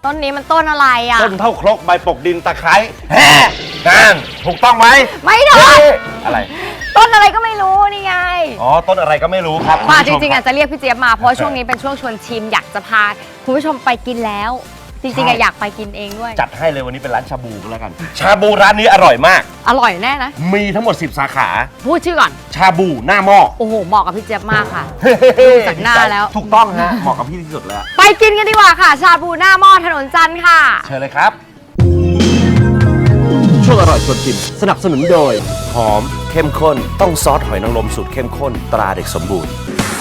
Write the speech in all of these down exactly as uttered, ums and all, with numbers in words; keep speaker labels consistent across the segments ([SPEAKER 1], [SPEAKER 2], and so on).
[SPEAKER 1] ต้นนี้มันต้นอะไรอ่ะ
[SPEAKER 2] ต้นเท่าครกใบปกดินตะไคร้แฮ่นั่นถูกต้องไหม
[SPEAKER 1] ไม่ถูก
[SPEAKER 2] อะไร
[SPEAKER 1] ต้นอะไรก็ไม่รู้นี่ไง
[SPEAKER 2] อ๋อต้นอะไรก็ไม่รู้ครับ
[SPEAKER 1] มาจริงๆอาจจะเรียกพี่เจี๊ยบมาเพราะช่วงนี้เป็นช่วงชวนชิมอยากจะพาคุณผู้ชมไปกินแล้วจริงๆอยากไปกินเองด้วย
[SPEAKER 2] จัดให้เลยวันนี้เป็นร้านชาบูก็แล้วกันชาบูร้านนี้อร่อยมาก
[SPEAKER 1] อร่อยแน่นะ
[SPEAKER 2] มีทั้งหมดสิบสาขา
[SPEAKER 1] พูดชื่อก่อน
[SPEAKER 2] ชาบูหน้าหม้อ
[SPEAKER 1] โอ้โหเหมาะกับพี่เจี๊ยบมากค่ะดูจากหน้าแล้ว
[SPEAKER 2] ถูกต้องฮะเหมาะกับพี่ที่สุดแล้ว
[SPEAKER 1] ไปกินกันดีกว่าค่ะชาบูหน้าหม้อถนนจันทร์ค่ะ
[SPEAKER 2] เชิญเลยครับ
[SPEAKER 3] ช่วงอร่อยชวนชิมสนับสนุนโดย
[SPEAKER 2] หอมเข้มข้นต้องซอสหอยนางรมสูตรเข้มข้นตราเด็กสมบูรณ์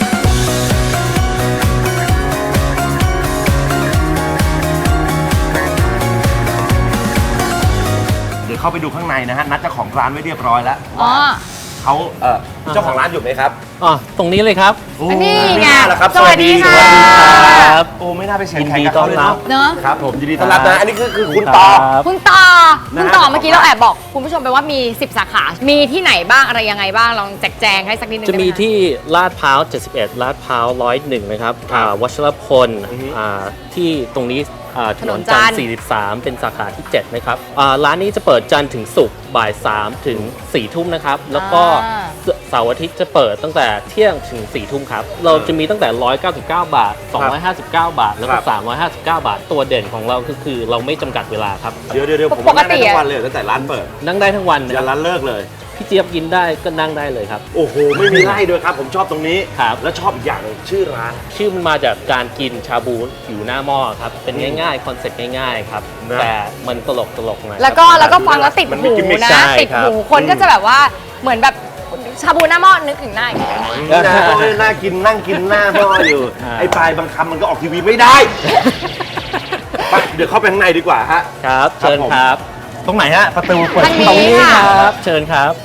[SPEAKER 2] เดี๋ยวเข้าไปดูข้างในนะฮะนัดเจ้าของร้านไว้เรียบร้อยแล้ว
[SPEAKER 1] อ๋อ
[SPEAKER 2] เขาเออเจ้าของร้านอยู่ไหมครับ
[SPEAKER 3] อ๋อตรงนี้เลยครับ
[SPEAKER 1] นี่ไง
[SPEAKER 2] สวัสดีค่ะ
[SPEAKER 3] ครับ
[SPEAKER 2] โอ้ไม่น่าไปเสียงใครกับเขาเลย
[SPEAKER 1] เนอะ
[SPEAKER 2] ครับผมยินดีต้อนรับนะอันนี้คือคือคุณต่อ
[SPEAKER 1] คุณต่อคุณต่อเมื่อกี้เราแอบบอกคุณผู้ชมไปว่ามีสิบสาขามีที่ไหนบ้างอะไรยังไงบ้างลองแจกแจงให้สักนิดนึง
[SPEAKER 3] จะมีที่ลาดพร้าวเจ็ดสิบเอ็ดลาดพร้าวหนึ่งศูนย์หนึ่งนะครับวัชรพลที่ตรงนี้ถนนจันทร์สี่สิบสามเป็นสาขาที่เจ็ดนะครับร้านนี้จะเปิดจันทร์ถึงศุกร์บ่ายสามถึงสี่ทุ่มนะครับแล้วก็เสาร์อาทิตย์จะเปิดตั้งแต่เที่ยงถึงสี่ทุ่มครับเราจะมีตั้งแต่หนึ่งร้อยเก้าสิบเก้าบาทสองร้อยห้าสิบเก้าบาทแล้วก็สามร้อยห้าสิบเก้าบาทตัวเด่นของเราก็คือเราไม่จำกัดเวลาครับ
[SPEAKER 2] เดี๋ยวเดี๋ยวผมนั่งได้ทั้งวันเลยตั้งแต่ร้านเปิด
[SPEAKER 3] นั่งได้ทั้งวัน
[SPEAKER 2] ยันร้านเลิกเลย
[SPEAKER 3] พี่เจี๊ยบกินได้ก็นั่งได้เลยครับ
[SPEAKER 2] โอ้โหไม่มีไล่ด้วยครับผมชอบตรงนี้
[SPEAKER 3] ครับ
[SPEAKER 2] แล้วชอบอีกอย่างนึงชื่อร้าน
[SPEAKER 3] ชื่อมันมาจากการกินชาบูอยู่หน้าหม้อครับเป็นง่ายๆคอนเซ็ปต์ง่ายๆครับแต่มันตลกตลกหน่อย
[SPEAKER 1] แล้วก็แล้วก็ฟังแล้วติดหูนะติดหูคนก็จะแบบว่าเหมือนแบบชาบูหน้าหม้อนึกถึงหน้าอย่างนี้
[SPEAKER 2] นะก็น่ากินนั่งกินหน้าหม้ออยู่ไอ้ปลายบางคำมันก็ออกทีวีไม่ได้ไปเดี๋ยวเข้าไปข้างในดีกว่าฮะ
[SPEAKER 3] ครับเชิญครับ
[SPEAKER 2] ตรงไหนฮะประตูเปิด
[SPEAKER 1] ตรงนี้
[SPEAKER 3] ครับเชิญครับ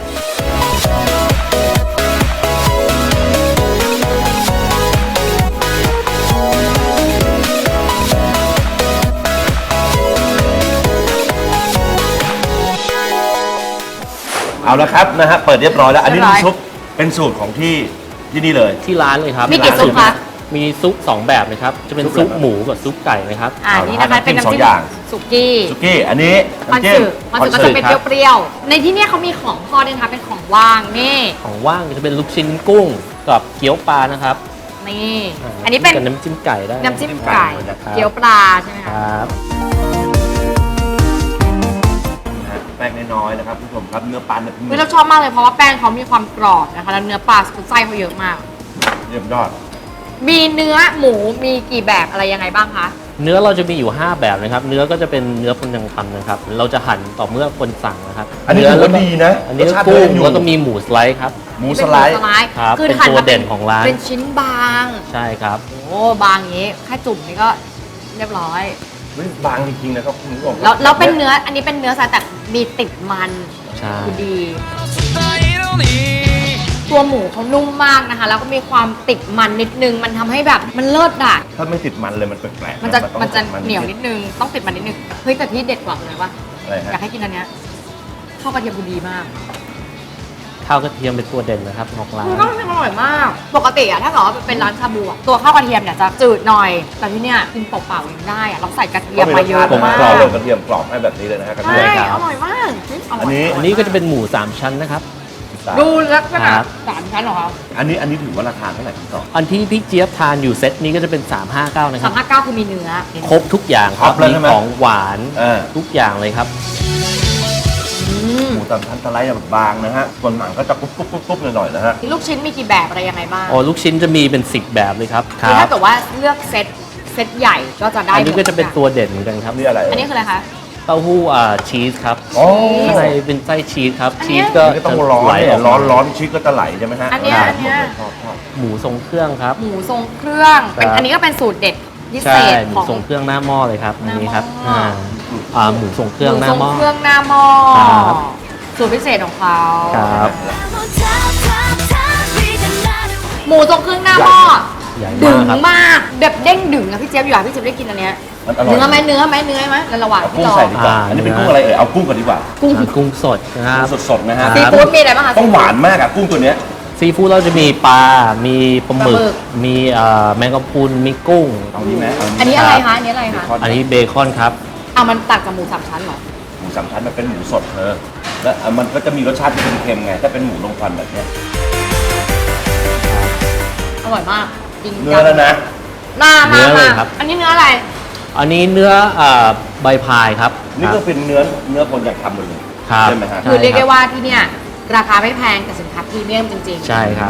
[SPEAKER 2] เอาละครับนะฮะเปิดเรียบร้อยแล้วอันนี้น้ำซุปเป็นสูตรของที่ที่นี่เลย
[SPEAKER 3] ที่ร้านเลยครับ
[SPEAKER 1] มีกี่ซุปคะ
[SPEAKER 3] มีซุปสองแบบนะครับจะเป็นซุปหมูกับซุปไก่นะครับ
[SPEAKER 1] อ่านี่นะคะเป็นน้ำจิ้มสุกี้
[SPEAKER 2] สุกี้อันนี้
[SPEAKER 1] มันสื่อมันสื่อก็จะเป็นเปรี้ยวๆในที่นี้เขามีของทอดด้วยนะคะเป็นของว่างนี่
[SPEAKER 3] ของว่างจะเป็นลูกชิ้นกุ้งกับเกี๊ยวปลานะครับ
[SPEAKER 1] นี่อันนี้เป็น
[SPEAKER 3] น้ำจิ้มไก่ได้
[SPEAKER 1] น้ำจิ้มไก่เกี๊ยวปลาใช่ไหม
[SPEAKER 3] ครับ
[SPEAKER 2] แป้งน้อยๆนะครับผู้ชมครับเนื้อปลาเนื้อ
[SPEAKER 1] เราชอบมากเลยเพราะว่าแป้งเขามีความกรอบนะคะแล้วเนื้อปลาไส้เขาเยอะมาก
[SPEAKER 2] เยี่ยมยอด
[SPEAKER 1] มีเนื้อหมูมีกี่แบบอะไรยังไงบ้างคะ
[SPEAKER 3] เนื้อเราจะมีอยู่ห้าแบบนะครับเนื้อก็จะเป็นเนื้อคนยังทำนะครับเราจะหั่นต่อเมื่อคนสั่งนะครับ
[SPEAKER 2] อันนี้ถือว่าดีนะ
[SPEAKER 3] อันนี้กุ้งแล้วก็มีหมูสไลด์ครับ
[SPEAKER 2] หมูสไลด์
[SPEAKER 3] ครับเป็นตัวเด่นของร้าน
[SPEAKER 1] เป็นชิ้นบาง
[SPEAKER 3] ใช่ครับ
[SPEAKER 1] โอ้บางอย่างนี้แค่จุ่มนี่ก็เรียบร้อย
[SPEAKER 2] ไม่บางจริงๆนะครับคุณผู้ชม
[SPEAKER 1] แล้วแล้วเป็นเนื้ออันนี้เป็นเนื้อสายแต่มีติดมันคือดีตัวหมูเขานุ่มมากนะคะแล้วก็มีความติดมันนิดนึงมันทำให้แบบมันเลิศอ่ะ
[SPEAKER 2] ถ้าไม่ติดมันเลยมันแปลก
[SPEAKER 1] ๆมันจะมันจะเหนียวนิดนึงต้องติดมันนิดนึงเฮ้ยแต่ที่เด็ดกว่าเลยว่าอยากให้กินอันเนี้ยข้าวกระเทียมดีมาก
[SPEAKER 3] ข้าวกระเทียมเป็นตัวเด่นนะครับของร้าน
[SPEAKER 1] ข้าวกระเทียมอร่อยมากปกติอะถ้าเกิดว่าเป็นร้านชาบูตัวข้าวกระเทียมเนี่ยจะจืดหน่อยแต่ที่เนี้ยกินเปล่าๆยังได้อะเราใส่กระเทียมมาเยอะมาก
[SPEAKER 2] กรอบเลยกระเทียมกรอบให้แบบนี้เลยนะฮะกระเทียม
[SPEAKER 1] อร่อยมาก
[SPEAKER 3] อันนี้อันนี้ก็จะเป็นหมูสามชั้นนะครับ
[SPEAKER 1] ดูลักษณะสามชั้นเหรอครับ
[SPEAKER 2] อันนี้อันนี้ถือว่าราคาเท่าไหร่พี่ต่อ
[SPEAKER 3] อันที่พี่เจี๊ยบทานอยู่เซตนี้ก็จะเป็นสามห้าเก้านะครับ
[SPEAKER 1] สามห้าเก้าคือมีเนื้อ
[SPEAKER 3] ครบทุกอย่างครับมีของหวานทุกอย่างเลยครับ
[SPEAKER 2] หมูสามชั้นสไลด์แบบบางนะฮะส่วนหนังก็จะกรุบกรุบกรุบกรุบหน่อยๆนะฮะ
[SPEAKER 1] ลูกชิ้นมีกี่แบบอะไรยังไงบ้าง
[SPEAKER 3] อ๋อลูกชิ้นจะมีเป็นสิบแบบเลยครับ
[SPEAKER 1] คือถ้าเกิดว่าเลือกเซตเซตใหญ่ก็จะได้
[SPEAKER 3] อันนี้ก็จะเป็นตัวเด่นเหมือนกันครับ
[SPEAKER 2] นี่อะไร
[SPEAKER 1] อันนี้คืออะไรคะ
[SPEAKER 3] เต้าหู้อ่าชีสครับข้างในเป็นไส้ชีสครับชีส
[SPEAKER 2] ก็ต้องร้อนร้อนร้อนชีสก็จะไหลใช่ไหมฮะ
[SPEAKER 1] อันนี้อันนี้
[SPEAKER 3] หมูทรงเครื่องครับ
[SPEAKER 1] หมูทรงเครื่องเป็นอันนี้ก็เป็นสูตรเด็ดพิเศษ
[SPEAKER 3] หมูทรงเครื่องหน้าหม้อเลยครับอันนี้ครับอ่าหมูทรงเครื่องหน้าหม้อ
[SPEAKER 1] หมูทรงเครื่องหน้าหม้อสูตรพิเศษของเขา
[SPEAKER 3] ครับ
[SPEAKER 1] หมูทรงเครื่องหน้าหม้อดึงมากแบบเด้งดึงนะพี่เจี๊ยบอยู่อ่ะพี่เจี๊ยบได้กินอันเนี้ยเนื้อไหมเนื้อไหมเนื้อไหมระหว่าง
[SPEAKER 2] ที่รออันนี้เป็นกุ้งอะไรเอ่ยเอากุ้งก่อนดีกว่า
[SPEAKER 3] กุ้งกุ้งสดนะครับ
[SPEAKER 2] สดสดนะฮะ
[SPEAKER 1] ซีฟู้ดมีอะไรบ้างคะ
[SPEAKER 2] ต้องหวานมากอะกุ้งตัวเนี้ย
[SPEAKER 3] ซีฟู้ดเราจะมีปลา มีปลาหมึ
[SPEAKER 1] ปลาหมึ
[SPEAKER 3] ก
[SPEAKER 1] ก
[SPEAKER 3] มีเอ่อแมงกะพรุน มีกุ้ง
[SPEAKER 2] เอาดีไหมเาดี
[SPEAKER 1] อันนี้อะไรคะอันนี้อะไรคะ
[SPEAKER 3] อันนี้เบคอนครับ
[SPEAKER 1] อ่ะมันตักกับหมูสามชั้นเหรอ
[SPEAKER 2] หมูสามชั้นมันเป็นหมูสดเธอแล้วอ่ะมันก็จะมีรสชาติที่เค็มๆไงถ้าเป็นหมูลงควันแบบเนี้ย
[SPEAKER 1] อร่อยมากจริง
[SPEAKER 2] เนื้อแล้วนะ
[SPEAKER 1] มา
[SPEAKER 3] เนื้
[SPEAKER 1] มา
[SPEAKER 3] อเล
[SPEAKER 1] มาย
[SPEAKER 3] ครับ
[SPEAKER 1] อันนี้เนื้ออะไร
[SPEAKER 3] อันนี้เนื้อเอ่อใบพายครับ
[SPEAKER 2] นี่ก็เป็นเนื้อเนื้อคนอยากทำหมดเลย
[SPEAKER 3] ครับ
[SPEAKER 2] ใช่ไหมฮะ
[SPEAKER 1] คือเรียกได้ว่าที่เนี่ยราคาไม่แพงแต่สินค้าพรีเมียมจริงๆ
[SPEAKER 3] ใช่ครับ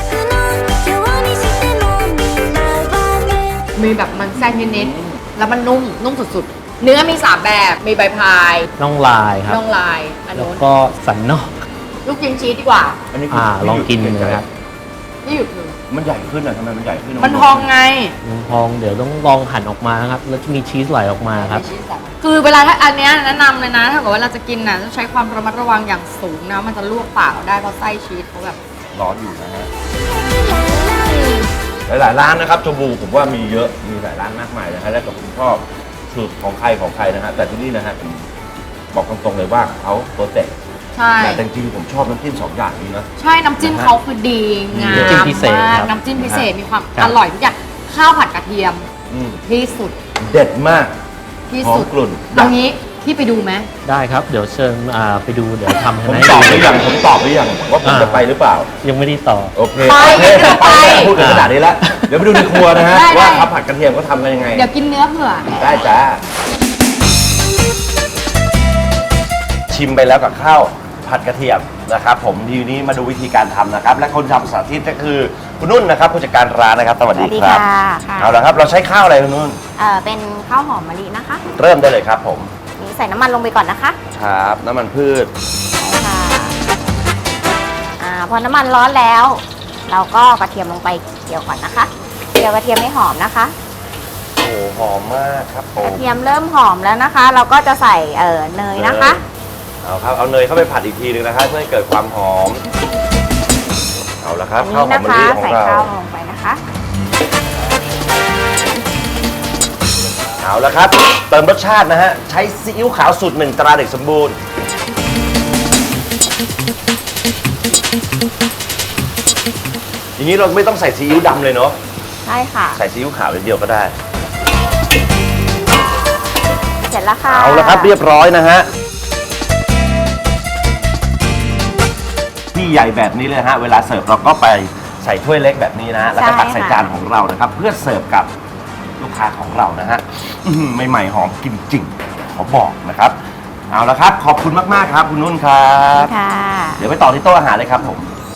[SPEAKER 1] มีแบบมันแทรกนิดๆแล้วมันนุ่มนุ่มสุดๆ เนื้อมีสามแบบมีใบพาย
[SPEAKER 3] น่องลายครับ
[SPEAKER 1] น่องลายอัน
[SPEAKER 3] แล้ว
[SPEAKER 1] นู้น
[SPEAKER 3] ก็สันนอก
[SPEAKER 1] ลูกชิ้นชีสดีกว่า
[SPEAKER 2] อันนี้คื
[SPEAKER 3] อ่า
[SPEAKER 2] ไม่
[SPEAKER 3] ลอง
[SPEAKER 2] หยุด
[SPEAKER 3] กิน
[SPEAKER 2] ไม่หยุด
[SPEAKER 3] นะครับ
[SPEAKER 1] นี่หยุดเลย
[SPEAKER 2] มันใหญ่ขึ้นอ่ะทำไมมันใหญ่ขึ้น
[SPEAKER 1] มันพองไง
[SPEAKER 3] มันพองเดี๋ยวต้องลองหั่นออกมานะครับ แล้วจะมีชีสไหลออกมาครับ
[SPEAKER 1] มีชีสแบบคือเวลาถ้าอันเนี้ยแนะนำเลยนะถ้าเกิดว่าเราจะกินน่ะต้องใช้ความระมัดระวังอย่างสูงนะมันจะลวกปากเราได้เพราะไส้ชีสเขาแบบ
[SPEAKER 2] ร้อนอยู่นะฮะหลายๆร้านนะครับชมบูผมว่ามีเยอะมีหลายร้านมากมายนะฮะแล้วแต่ผมชอบสูตรของใครของใครนะฮะแต่ที่นี่นะฮะผมบอกตรงๆเลยว่าเขาโปรเจกต์
[SPEAKER 1] ใช่
[SPEAKER 2] แต่จริงๆผมชอบน้ำจิ้มสองอย่างนี้นะ
[SPEAKER 1] ใช่น้ำจิ้มเขาคือดีงาม
[SPEAKER 3] น้ำจิ้มพิเศษ
[SPEAKER 1] มาก
[SPEAKER 3] ครับ
[SPEAKER 1] น้ำจิ้มพิเศษมีความ
[SPEAKER 3] ครับ
[SPEAKER 1] อร่อยทุกอย่างข้าวผัดกระเทียม
[SPEAKER 2] อืม
[SPEAKER 1] ที่สุด
[SPEAKER 2] เด็ดมาก
[SPEAKER 1] ที่สุด
[SPEAKER 2] หอมกลุ่น
[SPEAKER 1] เอางี้พี่ไปดูไหม
[SPEAKER 3] ได้ครับ เดี๋ยวเชิญอ่าไปดูเดี๋ยวทำ
[SPEAKER 2] ผม
[SPEAKER 3] ให้
[SPEAKER 2] ตอบห
[SPEAKER 3] ดู
[SPEAKER 2] รือยังผมตอบหรือยังว่าผมจะไปหรือเปล่า
[SPEAKER 3] ยังไม่ได้ต่อ
[SPEAKER 2] โอเค
[SPEAKER 1] ไป
[SPEAKER 2] โอเค
[SPEAKER 1] เดี๋ยว
[SPEAKER 2] ไป
[SPEAKER 1] ไป
[SPEAKER 2] พูดถึงขนาดนี้แล้ว เดี๋ยวไปดูในครัวนะฮะ
[SPEAKER 1] ได้ได้
[SPEAKER 2] ว่าข้าวผัดกระเทียมเขาทำกันยังไง
[SPEAKER 1] เดี๋ยวกินเนื้อเผื่อ
[SPEAKER 2] ได้จ้า ชิมไปแล้วกับข้าวผัดกระเทียมนะครับ ผมทีนี้มาดูวิธีการทำนะครับ และคนทำสาธิตก็คือคุณนุ่นนะครับผู้จัดการร้านนะครับสวัส
[SPEAKER 4] ส
[SPEAKER 2] ดี
[SPEAKER 4] วัสดี
[SPEAKER 2] ครับ
[SPEAKER 4] ค่ะค่ะ
[SPEAKER 2] เอาละครับเราใช้ข้าวอะไรคุณนุ่น
[SPEAKER 4] เอ่อเป็นข้าวหอมมะลินะคะ
[SPEAKER 2] เริ่มได้เลยครับผม
[SPEAKER 4] นี่ใส่น้ำมันลงไปก่อนนะคะ
[SPEAKER 2] ครับน้ำมันพืช
[SPEAKER 4] ค่ะอ่าพอน้ำมันร้อนแล้ว เราก็กระเทียมลงไปเจียวก่อนนะคะเจียวกระเทียมให้หอมนะคะ
[SPEAKER 2] โอ้หอมมากครับผ
[SPEAKER 4] ก
[SPEAKER 2] ม
[SPEAKER 4] ระเทียมเริ่มหอมแล้วนะคะ เราก็จะใส่เอ่อเนยนะคะ
[SPEAKER 2] เอาครับเอาเนยเข้าไปผัดอีกทีหนึงนะครับเพื่อให้เกิดความหอม เอาละครับ
[SPEAKER 4] อัน
[SPEAKER 2] ข้าว
[SPEAKER 4] นี้
[SPEAKER 2] หอม
[SPEAKER 4] นะ
[SPEAKER 2] มะ
[SPEAKER 4] คะ
[SPEAKER 2] ลิของ
[SPEAKER 4] ใส่
[SPEAKER 2] เรา
[SPEAKER 4] ข้าวลงไปนะคะ
[SPEAKER 2] เอาละครับ เติมรสชาตินะฮะใช้ซีอิ๊วขาวสูตรหนึ่งตราเด็กสมบูรณ์อย่างนี้เราไม่ต้องใส่ซีอิ๊วดำเลยเนาะ
[SPEAKER 4] ใช่ค่ะ
[SPEAKER 2] ใส่ซีอิ๊วขาวอย่างเดียวก็ได้
[SPEAKER 4] เสร็จแล้วค่ะ
[SPEAKER 2] เอาละครับเรียบร้อยนะฮะที่ใหญ่แบบนี้เลยฮะเวลาเสิร์ฟเราก็ไปใส่ถ้วยเล็กแบบนี้นะฮะแล้วก็ตักใส่จานของเรานะครับ เพื่อเสิร์ฟกับลูกค้าของเรานะฮะอื้อหือใหม่ๆหอมกินจริงขอบอกนะครับ เอาละครับขอบคุณมากๆครับคุณนุ่นครับ
[SPEAKER 4] ค่ะ
[SPEAKER 2] เดี๋ยวไปต่อที่โต๊ะอาหารเลยครับผม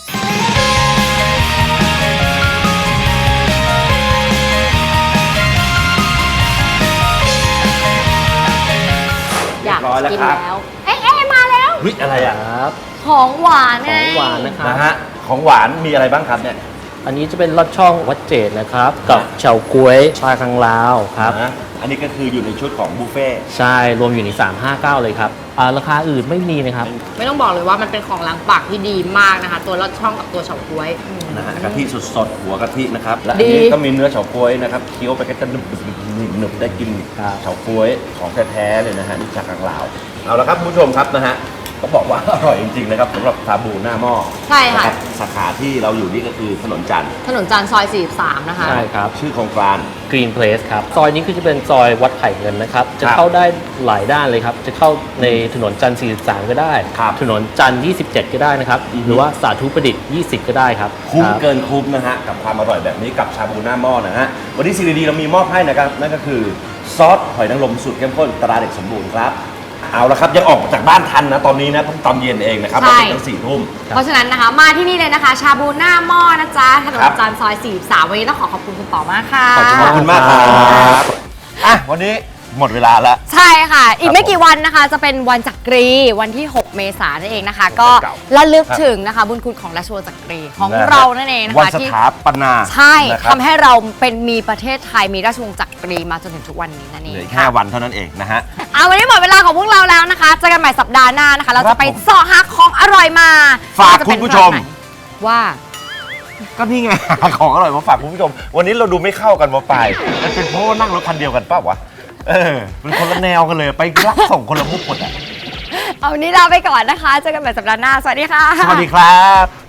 [SPEAKER 1] อยาก
[SPEAKER 2] เรียบร้อยแล้ว
[SPEAKER 1] กิน
[SPEAKER 2] ครับ
[SPEAKER 1] แล้ว เอ๊ะเอ๊ะมาแล้ว
[SPEAKER 2] เฮ้ยอะไรอ่ะ
[SPEAKER 3] ครับ
[SPEAKER 1] ของหวาน
[SPEAKER 3] ข
[SPEAKER 1] ไง
[SPEAKER 3] องหวานนะครับ
[SPEAKER 2] นะฮะของหวานมีอะไรบ้างครับเนี่ย
[SPEAKER 3] อันนี้จะเป็นลอดช่องวัดเจดนะครับ กับเฉาก๊วยชาคังลาวครับ
[SPEAKER 2] นะอันนี้ก็คืออยู่ในชุดของบุฟเฟ่ต์
[SPEAKER 3] ใช่ รวมอยู่ใน สามห้าเก้า เลยครับอ่าราคาอื่นไม่มีนะครับ
[SPEAKER 1] ไม่ต้องบอกเลยว่ามันเป็นของล้างปากที่ดีมากนะคะ ตัวลอดช่องกับตัวเฉาก๊วย
[SPEAKER 2] นะฮะกะทิสดๆหัวกะทินะครับและอัน
[SPEAKER 1] ดี
[SPEAKER 2] นี้ก็มีเนื้อเฉาก๊วยนะครับเคี้ยวไปก็จะหนึบๆหนึบๆได้กิน
[SPEAKER 3] ครับ
[SPEAKER 2] เฉาก๊วยของแท้ๆเลยนะฮะนี่จากทางลาวเอาละครับคุณผู้ชมครับนะฮะก็บอกว่า อร่อยจริงๆนะครับสำหรับชาบูหน้าหม้อ
[SPEAKER 1] ใช่ค่ะ
[SPEAKER 2] นรับสาขาที่เราอยู่นี่ก็คือถนนจันทร์
[SPEAKER 1] ถนนจันทร์ซอยสี่สิบสามนะคะ
[SPEAKER 3] ใช่ครับ
[SPEAKER 2] ชื่อโครงการ
[SPEAKER 3] Green Place ครับ ซอยนี้คือจะเป็นซอยวัดไผ่เงินนะครับ จะ
[SPEAKER 2] ครับ
[SPEAKER 3] เข้าได้หลายด้านเลยครับ จะเข้าในถนนจันทร์สี่สิบสามก็ได้
[SPEAKER 2] ครับ
[SPEAKER 3] ถนนจันทร์ยี่สิบเจ็ดก็ได้นะครับ
[SPEAKER 2] อือฮึ
[SPEAKER 3] หรือว่าสาธุประดิษฐ์ยี่สิบก็ได้ครับ
[SPEAKER 2] คุ้ม
[SPEAKER 3] รับ
[SPEAKER 2] เกินคุ้มนะฮะกับความอร่อยแบบนี้กับชาบูหน้าหม้อนะฮะวันนี้ซีดีเรามีมอบให้นะครับนั่นก็คือซอสหอยนางรมสูตรเข้มข้นตราเด็กสมบูรณ์ครับเอาละครับยังออกจากบ้านทันนะตอนนี้นะเพิ่งตอนเย็นเองนะครับ
[SPEAKER 1] ใช่
[SPEAKER 2] เราเป็นตั้งสี่ทุ่ม
[SPEAKER 1] เพราะฉะนั้นนะคะ มาที่นี่เลยนะคะ ชาบูหน้าหม้อนะจ๊ะถนน
[SPEAKER 2] ครับ
[SPEAKER 1] จันทร์ซอยสี่สิบสามวันนี้ต้องขอขอบคุณคุณต่อมากค่ะ
[SPEAKER 3] ขอบ
[SPEAKER 2] ขอบคุณมากครับอ่ะวันนี้หมดเวลาแล้ว
[SPEAKER 1] ใช่ค่ะ อีกไม่
[SPEAKER 2] ผม
[SPEAKER 1] กี่วันนะคะ จะเป็นวันจักรีวันที่ หก เมษายนนั่นเองนะคะ ก็
[SPEAKER 2] เก่า
[SPEAKER 1] ระลึกถึงนะคะ บุญคุณของราชวงศ์จักรีของเรานั่นเองนะ
[SPEAKER 2] วัน
[SPEAKER 1] คะ
[SPEAKER 2] ส
[SPEAKER 1] ที่
[SPEAKER 2] ถาปนา
[SPEAKER 1] ใช่
[SPEAKER 2] นะครับ
[SPEAKER 1] ทำให้เราเป็นมีประเทศไทยมีราชวงศ์จักรีมาจนถึงทุกวันนี้นั่นเอ
[SPEAKER 2] เห
[SPEAKER 1] ง
[SPEAKER 2] ลืออีกแค่วันเท่านั้นเองนะฮะ
[SPEAKER 1] เอาวันนี้หมดเวลาของพวกเราแล้วนะคะเจอกันใหม่สัปดาห์หน้านะคะ เรา
[SPEAKER 2] ครั
[SPEAKER 1] จะ
[SPEAKER 2] บ
[SPEAKER 1] ไป
[SPEAKER 2] ผม
[SPEAKER 1] เสาะหาของอร่อยมา
[SPEAKER 2] ฝาก
[SPEAKER 1] ว่จะเป็น
[SPEAKER 2] คุณผู้ชม
[SPEAKER 1] ร้านไหนว่า
[SPEAKER 2] ก็นี่ไง ของอร่อยมาฝากคุณผู้ชม วันนี้เราดูไม่เข้ากันมาไปมันเป็นเพราะว่านั่งรถคันเดียวกันเปล่าวะเออเป็นคนละแนวกันเลยไปรับส่งคนละมุกหมดอ่ะ
[SPEAKER 1] เอาวันนี้ลาไปก่อนนะคะเจอกันใหม่สัปดาห์หน้าสวัสดีค่ะ
[SPEAKER 2] สวัสดีครับ